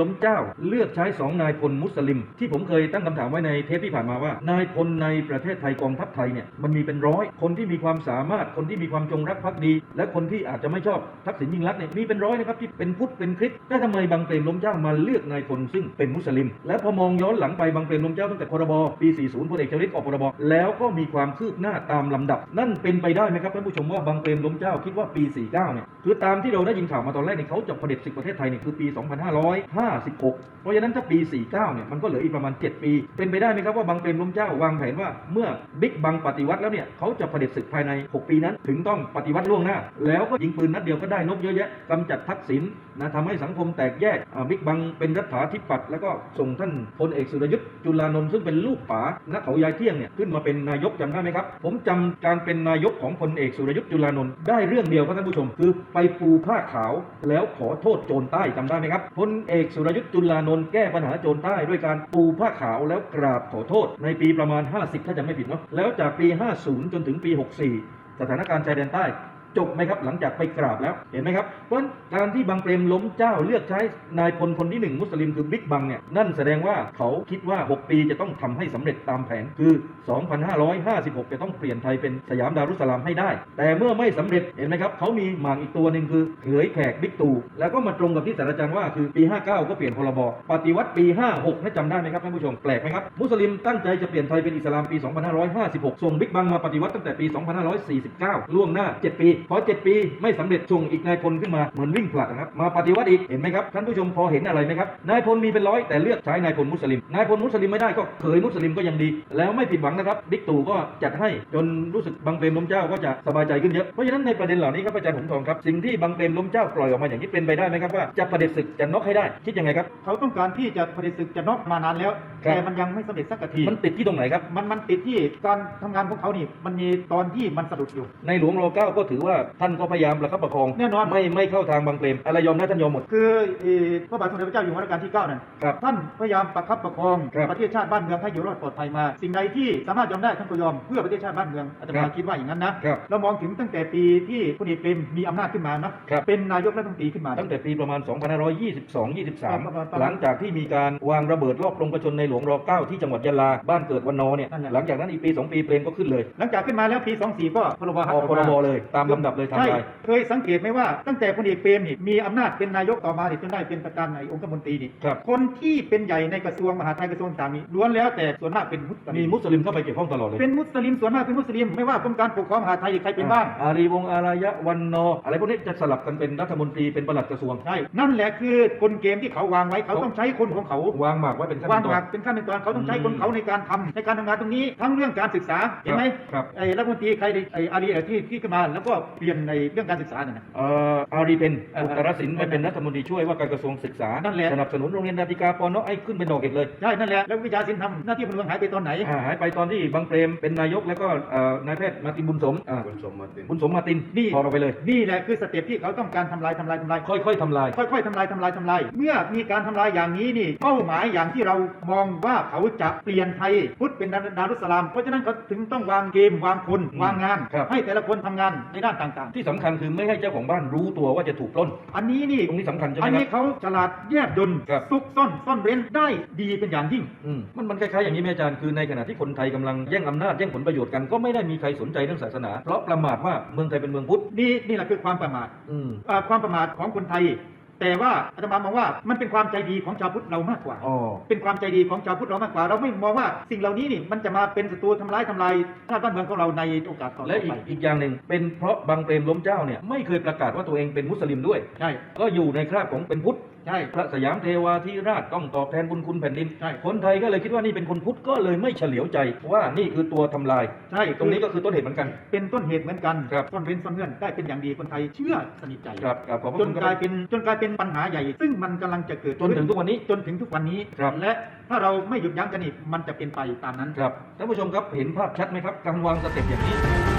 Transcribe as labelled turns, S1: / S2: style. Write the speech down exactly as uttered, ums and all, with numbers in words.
S1: ล้มเจ้าเลือกใช้สองนายพลมุสลิมที่ผมเคยตั้งคำถามไว้ในเทปที่ผ่านมาว่านายพลในประเทศไทยกองทัพไทยเนี่ยมันมีเป็นร้อยคนที่มีความสามารถคนที่มีความจงรักภักดีและคนที่อาจจะไม่ชอบทักษิณยิ่งลักษณ์เนี่ยมีเป็นร้อยนะครับที่เป็นพุทธเป็นคริสต์แต่ทำไมบางเปรมล้มเจ้ามาเลือกนายพลซึ่งเป็นมุสลิมและพอมองย้อนหลังไปบางเปรมล้มเจ้าตั้งแต่พรบปีสี่สิบพลเอกชวลิตออกพรบแล้วก็มีความคืบหน้าตามลำดับนั่นเป็นไปได้ไหมครับท่านผู้ชมว่าบางเปรมล้มเจ้าคิดว่าปีสี่สิบเก้าเนี่ยคือตามที่เราได้ยินข่าวมาตอนแรกเนี่ยเขาจะเผด็จศึกประเทศไทยเนี่ยคือปีสองพันห้าร้อยห้าสิบหกเพราะฉะนั้นถ้าปีสี่สิบเก้าเนี่ยมันก็เหลืออีกประมาณเจ็ดปีเป็นไปได้ไหมครับว่าบางเปรมล้มเจ้าวางแผนว่าเมื่อบิ๊กบังปฏิวัติแล้วเนี่ยเขาจะเผด็จศึกภายในหกปีนั้นถึงต้องปฏิวัติล่วงหน้าแล้วก็ยิงปืนนัดเดียวก็ได้นกเยอะแยะกำจัดทักษิณนะทำให้สังคมแตกแยกบิ๊กบังเป็นรัฐาธิปัตย์แล้วก็ส่งท่านพลเอกสุรยุทธ์จุลานนท์ซึ่งเป็นลูกป๋าณเขายายเที่ยงเนี่ยขึ้นมาเป็นนายกจำได้ไหมครับผมจำการเป็นนายกของพลเอกสุรยุทธ์จุลานนท์ได้เรื่องเดียวครับท่านผู้ชมคือไปปูผ้าขาวแล้วขอโทษโจรใต้จำได้ไหมครับพลเอกสุรยุทธ์จุลานนท์แก้ปัญหาโจรใต้ด้วยการปูผ้าขาวแล้วกราบขอโทษในปีประมาณห้าสิบถ้าจำไม่ผิดเนาะแล้วจากปีห้าสิบจนถึงปีหกสิบสี่สถานการณ์ชายแดนใต้จบไหมครับหลังจากไปกราบแล้วเห็นไหมครับเพราะการที่บางเปรมล้มเจ้าเลือกใช้นายพลคนที่หนึ่งมุสลิมคือบิ๊กบังเนี่ยนั่นแสดงว่าเขาคิดว่าหกปีจะต้องทำให้สำเร็จตามแผนคือสองพันห้าร้อยห้าสิบหกจะต้องเปลี่ยนไทยเป็นสยามดารุสสลามให้ได้แต่เมื่อไม่สำเร็จเห็นไหมครับเขามีหมากอีกตัวหนึ่งคือเขยแขกบิ๊กตู่แล้วก็มาตรงกับที่ศาสตราจารย์ว่าคือปีห้าสิบเก้าก็เปลี่ยนพรบปฏิวัติปีห้าสิบหกให้จำได้ไหมครับท่านผู้ชมแปลกไหมครับมุสลิมตั้งใจจะเปลี่ยนไทยเป็นอิสลามปีสองพันห้าร้อยห้าสิบหกส่งบิ๊กบังมาปฏิวัติตั้งแต่ปีสองพันห้าร้อยสี่สิบเก้าล่วงหน้าเจ็ดปีพอเจ็ดปีไม่สำเร็จส่งอีกนายพลขึ้นมาเหมือนวิ่งผลัดนะครับมาปฏิวัติอีกเห็นไหมครับท่านผู้ชมพอเห็นอะไรไหมครับนายพลมีเป็นร้อยแต่เลือกใช้นายพลมุสลิมนายพลมุสลิมไม่ได้ก็เขยมุสลิมก็ยังดีแล้วไม่ผิดหวังนะครับบิ๊กตู่ก็จัดให้จนรู้สึกบางเปรมล้มเจ้าก็จะสบายใจขึ้นเยอะเพราะฉะนั้นในประเด็นเหล่านี้ครับอาจารย์หงทองครับสิ่งที่บางเปรมล้มเจ้าปล่อยออกมาอย่างนี้เป็นไปได้ไหมครับว่าจะเผด็จศึกจะน็อกให้ได้คิดยังไงครับ
S2: เขาต้องการที่จะเผด็จศึกจะน็อกมานานแล้วแต่มันยังไม่สำเร็จสักที
S1: มันติดที่ตรงไหนครับ
S2: มันมันติดที่การทำงานของเขานี่มันมีตอนที่มันสะดุดอยู่
S1: ในหลวงรอเก้าก็ถือว่าท่านก็พยายามประคับประคอง
S2: แน่นอน
S1: ไม่ไม่เข้าทางบางเปรมอะไรยอมนะท่านยอมหมด
S2: คือพระบาทสมเด็จพระเจ้าอยู่หัวรัชกาลที่เก้านั่นท่านพยายามประคับประคองประเทศชาติบ้านเมืองให้อยู่รอดปลอดภัยมาสิ่งใดที่สามารถยอมได้ท่านก็ยอมเพื่อประเทศชาติบ้านเมืองอาตมาคิดว่าอย่างนั้นนะเรามองถึงตั้งแต่ปีที่พลเอกเปรมมีอำนาจขึ้นมานะเป็นนายกรัฐมนตรีขึ้นมา
S1: ตั้งแต่ปีประมาณสองพันห้าร้อยยี่สิบสอง ยี่สิบสามหลังจากที่มีการวางระเบิดรอบลงประชนในหลวงรอเก้าที่จังหวัดยะลาบ้านเกิดวันนอเนี่ยหลังจากนั้นอีกปีสองปีเปรมก็ขึ้นเลย
S2: หลังจากขึ้นมาแล้วปีสองสี่ก็พรบ
S1: ออกพรบเลยตามลำดับเลยทำลาย
S2: เคยสังเกตไหมว่าตั้งแต่พลเอกเปรมนี่มีอำนาจเป็นนายกต่อมาจนได้เป็นประธานในองคมนตรีนี่คนที่เป็นใหญ่ในกระทรวงมหาดไทยกระทรวงต่างๆล้วนแล้วแต่ส่วนมากเป็นมุสลิม
S1: มีมุสลิมเข้าไปเกี่ยวข้องตลอดเลย
S2: เป็นมุสลิมส่วนมากเป็นมุสลิมไม่ว่ากรมการปกครองมหาดไทยใครเป็นบ้าง
S1: อารีวงศ์อารยะวันนออะไรพวกนี้จะสลับกันเป็นรัฐมนตรีเป็นปลัดกระทรวง
S2: ใช่นั่นแหละคือกลเกมที่เขาวางไว้เขาต้องใช้คนของเขา
S1: วางหมากไว้เป็นขั้น
S2: วางหมากเป็นขั้นเป็นตอนเขาต้องใช้คนเขาในการทำในการทำงานตรงนี้ทั้งเรื่องการศึกษาเห็นไหมไอ้รัฐมนตรีใครไอ้อารีที่ที่ขึ้นมาแล้วก็เปลี่ยนในเรื่องการศึกษาเนี่ย
S1: เอ่ออารีเป็นอุตรศิลป์ไปเป็นรัฐมนตรีช่วยว่าการกระทรวงศึกษาสนับสนุนโรงเรียนนาฬิกาปนให้ขึ้นเป็นดอกเห็ดเลย
S2: ใช่นั่นแหละแล้ววิชาศิลป์ทำหน้าที่พลเมืองหายไปตอนไหน
S1: หายไปตอนที่บางเปรมเป็นนายกแล้วก็นายแพทย์มาตินบุญสม
S3: บุญสมมาติน
S1: บุญสมมาติน
S2: นี่
S1: พอเราไปเลย
S2: นี่แหละคือสเต็ปที่เขาต้องการทำลายทำลายทำลาย
S1: ค่อยๆทำลาย
S2: ค่อยๆทำลายทำลายทำลายเมื่อมีการทำลายอย่างนี้นี่เป้าหมายอย่างที่เรามองว่าเขาจะเปลี่ยนไทยพุทธเป็นดารุสสลามเพราะฉะนั้นเขาถึงต้องวางเกมวางคนวางงานให้แต่ละคนทำงานในด้านต่าง
S1: ๆที่สำคัญคือไม่ให้เจ้าของบ้านรู้ตัวว่าจะถูกปล้น
S2: อันนี้นี่
S1: ตรงนี้สำคัญใช่ไหม
S2: อันนี้เขาฉลาดแยบยลซุกซ่อนซ่อนเร้นได้ดีเป็นอย่างยิ่ง
S1: มันมันคล้ายๆอย่างนี้แม่อาจารย์คือในขณะที่คนไทยกำลังแย่งอำนาจแย่งผลประโยชน์กันก็ไม่ได้มีใครสนใจเรื่องศาสนาเพราะประมาทว่าเมืองไทยเป็นเมืองพุทธ
S2: นี่นี่แหละคือความประมาทความประมาทของคนไทยแต่ว่าอาตมามองว่ามันเป็นความใจดีของชาวพุทธเรามากกว่าเป็นความใจดีของชาวพุทธเรามากกว่าเราไม่มองว่าสิ่งเหล่านี้นี่มันจะมาเป็นศัตรูทำร้ายทำลายชาติบ้านเมืองของเราในโอกาสต่อไป
S1: และอีกอีกอย่างหนึ่งเป็นเพราะบางเปรมล้มเจ้าเนี่ยไม่เคยประกาศว่าตัวเองเป็นมุสลิมด้วย
S2: ใช่
S1: ก็อยู่ในคราบของเป็นพุทธ
S2: ใช่
S1: พระสยามเทวาธิราชต้องตอบแทนบุญคุณแผ่นดินคนไทยก็เลยคิดว่านี่เป็นคนพุทธก็เลยไม่เฉลียวใจว่านี่คือตัวทำลาย
S2: ใช่
S1: ตรงนี้ก็คือต้นเหตุเหมือนกัน
S2: เป็นต้นเหตุเหมือนกันต้นเร้นซ่อนเงื่อนได้เป็นอย่างดีคนไทยเชื่อสนิทใจจนกลายเป็นจนกลายเป็นปัญหาใหญ่ซึ่งมันกำลังจะเกิด
S1: จนถึงทุกวันนี้
S2: จนถึงทุกวันนี้และถ้าเราไม่หยุดยั้งกันอีกมันจะเป็นไปตามนั้น
S1: ครับท่านผู้ชมครับเห็นภาพชัดไหมครับการวางสเต็ปอย่างนี้